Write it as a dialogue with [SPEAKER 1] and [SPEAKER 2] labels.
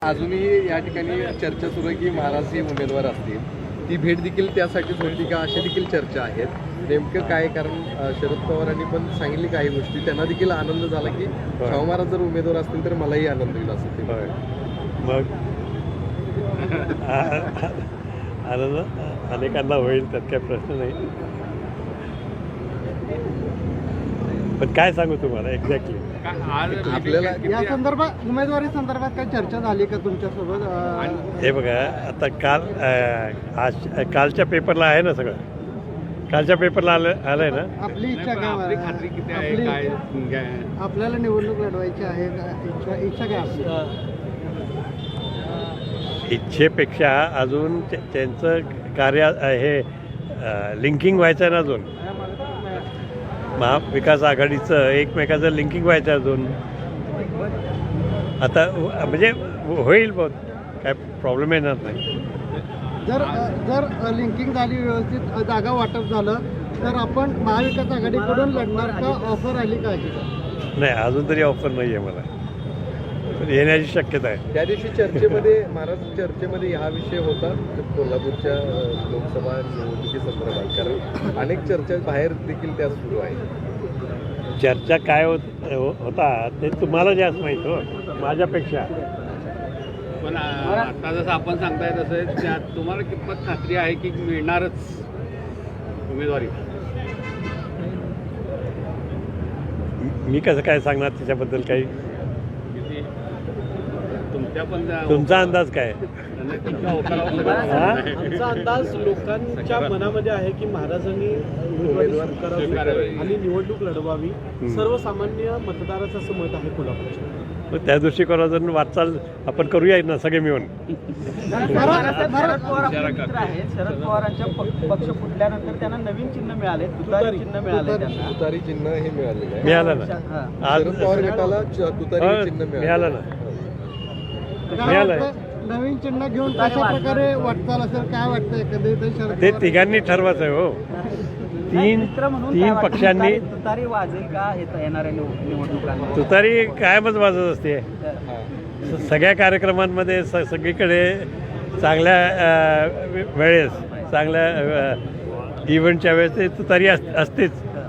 [SPEAKER 1] अजूनही या ठिकाणी चर्चा सुरू आहे की महाराज हे उमेदवार असतील, ती भेट देखील त्यासाठीच होती का, अशा देखील चर्चा आहेत. नेमकं काय, कारण शरद पवारांनी पण सांगितली काही गोष्टी, त्यांना देखील आनंद झाला की शाहू महाराज जर उमेदवार असतील तर मलाही आनंद होईल असं ते.
[SPEAKER 2] मग आनंद अनेकांना होईल, त्यात काही प्रश्न नाही. पण काय सांगू तुम्हाला एक्झॅक्टली
[SPEAKER 1] आपल्याला
[SPEAKER 3] या संदर्भात, उमेदवारी संदर्भात काही चर्चा झाली का तुमच्यासोबत?
[SPEAKER 2] हे बघा, आता कालच्या पेपरला आहे ना सगळं, कालच्या पेपरला आलंय ना.
[SPEAKER 3] आपली इच्छा काय, आपल्याला निवडणूक लढवायची आहे, इच्छा काय आपली?
[SPEAKER 2] इच्छेपेक्षा अजून त्यांचं कार्य हे लिंकिंग व्हायचं आहे ना अजून. महाविकास आघाडीचं एकमेकाचं लिंकिंग व्हायचं अजून. आता म्हणजे होईल, बहुत काय प्रॉब्लेम येणार नाही.
[SPEAKER 3] जर लिंकिंग झाली, व्यवस्थित जागा वाटप झालं तर आपण महाविकास आघाडीकडून लढणार का? ऑफर आली का?
[SPEAKER 2] नाही, अजून तरी ऑफर नाही आहे मला, पण येण्याची शक्यता आहे.
[SPEAKER 1] त्या दिवशी चर्चेमध्ये, महाराज चर्चेमध्ये हा विषय होता कोल्हापूरच्या लोकसभा निवडणुकीसंदर्भात, कारण अनेक चर्चा बाहेर देखील त्या सुरू आहेत.
[SPEAKER 2] चर्चा काय होता ते तुम्हाला जास्त माहीत हो माझ्यापेक्षा.
[SPEAKER 4] पण आता जसं आपण सांगताय तसं त्यात तुम्हाला कितपत खात्री आहे की मिळणारच उमेदवारी?
[SPEAKER 2] मी कसं काय सांगणार त्याच्याबद्दल काही? तुमचा अंदाज काय?
[SPEAKER 5] आमचा अंदाज लोकांच्या मनामध्ये आहे की महाराजांनी उमेदवार करावे आणि निवडणूक लढवावी. सर्वसामान्य मतदाराचं असं मत आहे कोल्हापूरच्या.
[SPEAKER 2] त्या दृष्टिकोनातून वाटचाल आपण करूया ना सगळे मिळून.
[SPEAKER 5] शरद पवारांच्या पक्ष फुटल्यानंतर त्यांना नवीन चिन्ह मिळाले, तुतारी चिन्ह मिळाले. त्यांना
[SPEAKER 1] तुतारी चिन्ह हे मिळालेलं आहे.
[SPEAKER 2] मिळालं ना आज.
[SPEAKER 1] शरद पवार गटाला तुतारी चिन्ह
[SPEAKER 2] मिळालं ना.
[SPEAKER 3] नवीन चिन्ह घेऊन कशा प्रकारे वाटचाल असेल, काय वाटतं एकंदरीत?
[SPEAKER 2] ते तिघांनी ठरवायचं आहे हो. तीन पक्षांनी.
[SPEAKER 5] तुतारी वाजेल का येणाऱ्या निवडणुकांना?
[SPEAKER 2] तुतारी कायमच वाजत असते सगळ्या कार्यक्रमांमध्ये, सगळीकडे. चांगल्या वेळेस, चांगल्या इव्हेंटच्या वेळेस ते तुतारी असतेच.